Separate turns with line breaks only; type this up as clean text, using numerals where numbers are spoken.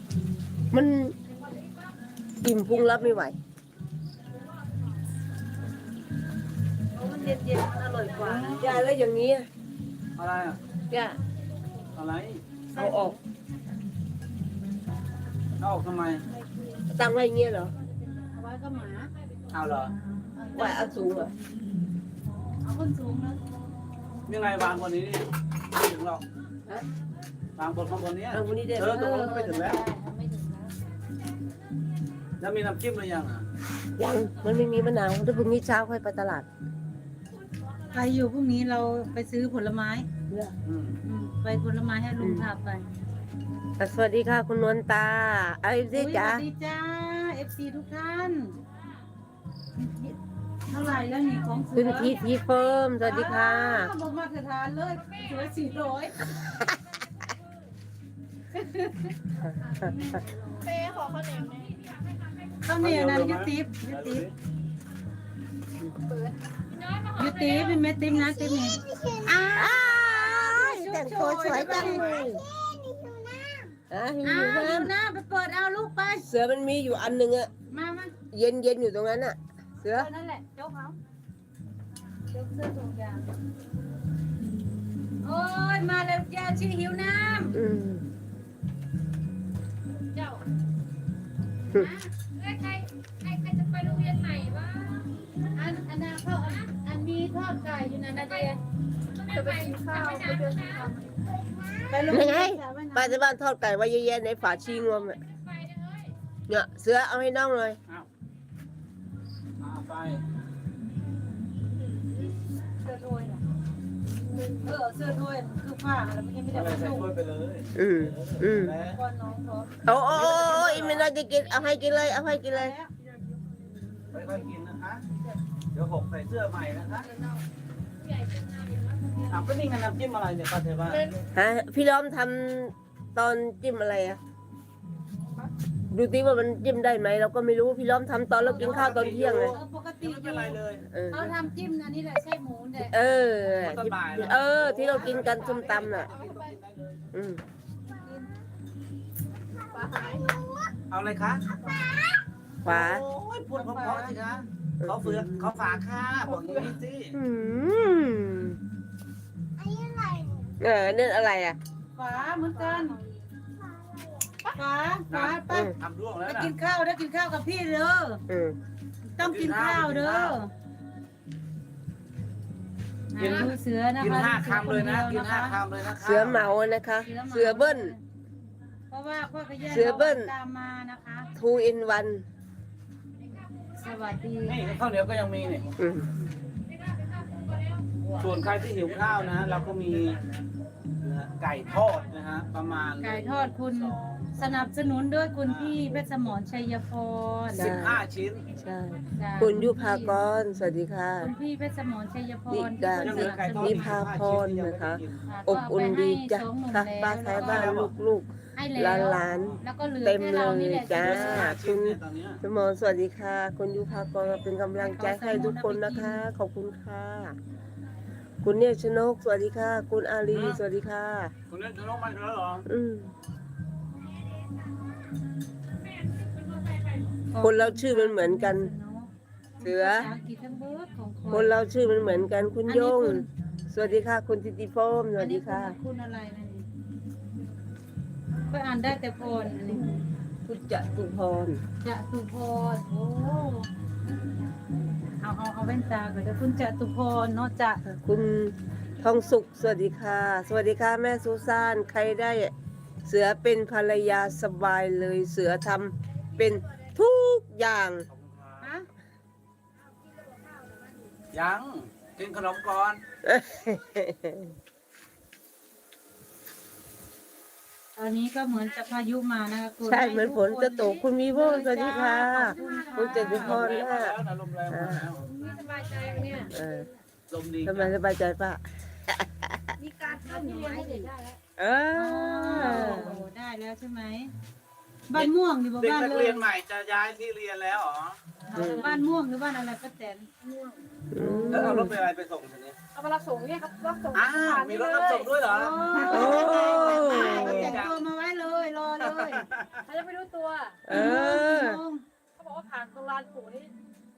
มันอิ่มพุงรับไม่ไหว
มันเย็นๆมันอร่อยกว่านะ
ยายแล้วอย่างนี้อะ
อะไรอ่ะ
ย่า
อะไร
เอาออก
เอาออกทำไม
ตั้งไว้อย่างเงี้ยเหรอ
เอาไว้ก็หมา
เอาเหรอ
ไว้เอาสูงเหรอ
เอาคนสูงนะ
ยังไงวางบนนี้นี่ไม่ถึงหรอก
ฮะ
วางบนข้างบนนี้
เอาคนนี้ได้ไหม
ตรงนั้นก็ไม่ถึงแล้ว
ไม่ถึงแล้ว
แล้วมีน้ำจิ้มหรือยังอ่ะ
ยังมันไม่มีมะนาวถ้าพรุ่งนี้เช้าค่อยไปตลาด
ใครอยู่พรุ่งนี้เราไปซื้อผลไม้
อืม
ไปผลไม้ให้ลุงพาไป
สวัสดีค่ะคุณนวลตาไอ้ดิ
อุ๊ย
จ๋า
สวัสดีจ้า FC ทุกท่านเท่าไหร่แล้วนี่ของเสื
คุณทีเฟิร์มสวัสดีค่ะ
บอกมาตรฐานเลยเสือ400
เป้ขอข้าวเหนียวหน่อย
ข้าวเหนียวนั้นยุติบยุติบเป็นเม็ดติ๊บนะติ๊บนี่อ้าว
แต่งตัวสวยจังเลยหิว
อ้าว
น้
ดูหน้าไปเปิดเอาลูกไป
ำเสือมันมีอยู่อันหนึ่งอะ
มา
เย็นอยู่ตรงนั้นอะเสือ
นั่นแหละโจ๊กเขาโจ๊กเสื้อถุงยางโอ้ยมาแล้วยาชีหิวน้
อืม
เจ้าใครจะไปโรงเรียนใหม่วะ
ำอันนั้นเขาอันมีทอดไก่อยู่นะนาเดีย
จะไปกินข้าวไปเดินข้าว
ไปโรง
ยัง
เรี
ไง
ยนสาวว่ายน้ำ
ป้าจะบ้านทอดไก่ไว้เยอะๆในฝาชีงวมอะ
ไปเด้อเฮ้ย
เนี่ยเสือเอาให้น้องเลย
เอาไป
เสื้อถ้วยน่ะเสื้อถ้วยคือผ้าแล้วมันยังไม่ได้
อะไร
ผ้า
ใส่
นุ่ง
ถ้วยไปเลย
อืม
แล้ว
ก่อนน้องเขา
โอ้ยไม่น่าจะกินเอาให้กินเลยเอาให้กินเลย
ค่อยๆกินนะคะ เดี๋ยวหกใส่เสื้อใหม่นะคะ
ผู้ใหญ่เป็นนายอย่างว่าคนเดียว
ก็นี่ไงน้ำจิ้มอะไรเนี่ยป้าเทว่า
ฮะพี่ล้อมทำตอนจิ้มอะไรอะดูติว่ามันจิ้มได้ไหมเราก็ไม่รู้พี่ล้อมทำตอนเรากินข้าวตอนเที่ยงเลย
ปกติ
ไม่เป็นไรเลย
เออ
เขาทำจิ้มอันนี้แหละไส้หมูเนี่ย
เออ
ตอนบ่ายแล้ว
เออ ที่เรากินกันส้มตำน่ะ อืม
เอาอะไรคะ
ขวา
โอ้ยพูดเพราะๆสิคะเขาเฟือกเขาฝากค่ะบอกอย่างนี้สิ
อืมนั่นอะไรอ่ะ
ฝาเหมือนกันฝาไป
ทำร่วงแล้ว
ไป
นะ
กินข้าวได้กินข้าวกับพี่เด้อ
อืม
ต้องกินข้าวเด้อดูเสือนะคะ
กิน5 คำเลยนะ กิน
ค
5 คำเลยนะคะ
เสือเหมานะคะ เสือเบิ้ล
เพราะว่าพ่อขยัน
เสือเบิ้ล
ตามมานะคะ
2 in 1
สวัสดี
นี่ข้าวเหนียวก็ยังมีเนี่ย
อืม
ส่วนใครที่หิวข้าวนะ เราก็มีไก่ทอดนะฮะประมาณ
ไก่ทอดคุณสนับสนุนด้วยคุณพี่เพชรสมรชัยพร
15 ชิ้น
ใช่
จ้ะ
คุณยุภากร สวัสดีค่ะ
คุณพี่เพชรสมรชัยพ
นิ
ร
ดา
ที่
นิ
สนับสนุ
นิ
น
พาพรนะคะ
ค่ะ
อบอุ่นดีจ้ะ
ก็
ค่ะ
เอไปให้
ป้า
2 หนุ่ม
ท้ายบ้าน
แล้ว
ลูก
ให้แล้ว
หลาน
แล้วก็เหลือ
เต็ม
แค่เรานี่แหละ
เลยจ้า
ชิ้นเนี่ยตอนเนี้ย
สมรสวัสดีค่ะ คุณยุภากรเป็นกำลังใจให้ทุกคนนะคะ ขอบคุณค่ะ คุณเนี่ยชนก สวัสดีค่ะ คุณอารีสวัสดีค่ะ
คุณเล่นจะลงมาแล้วเหรอ
อืมคนเราชื่อมันเหมือนกัน เสือ
ภาษาอังกฤษทั้งเบิดของ
คนเราชื่อมันเหมือนกัน คุณโยง สวัสดีค่ะ คุณทิติโฟมสวัสดีค่ะ
อันนี้คุณอะไรนะนี่ก็อ่านได้แต่พรอันนี้
คุณจตุพร
จะตุพรโอ้เอาแว่นตาก่อนเดี๋ยวคุณจะตุพรเนาะจะ
คุณทองสุข สวัสดีค่ะ สวัสดีค่ะ แม่ซูซาน ใครได้ เสือเป็นภรรยาสบายเลย เสือทำเป็นทุกอย่าง
ฮะ
ยังกินขนมก่อน
ตอนนี้ก็เหมือนจะพายุมานะคะคุณ
ใช่เหมือนฝนจะตกคุณวีโวสวัสดีค่ะ คุณจตุพร
ลม
ค่ะ
แล้วนะลมแรงมาแล้ว
นี่สบายใจเนี่ย
เออ
ลมดี
ทำไมสบายใจป่ะ
มีการเข้าหน่วยให้เด็กได้แล้ว
เอ
โอ้
อ
ได้แล้วใช่ไหมบ้านม่วงหรือ
เด็ก
บ้าน
นัก
เล
เรี
ย
ยนใหม่จะย้ายที่เรียนแล้วเหรอ
บ้านม่วงหรือบ้านอะไรป้าแตน
อืม
แล้วเอารถไปอะไรไปส่งทีนี้
เอามารับส่งเนี่ยครับรับส่ง
อ้าวมีรถรับส่งด้วยเหรอ
โอ้
แต่งตัวมาไว้เลยรอเลย
เขาจะไม่รู้ตัว
เออ
เขาบอกว่าผ่านตรงลานปู่นี่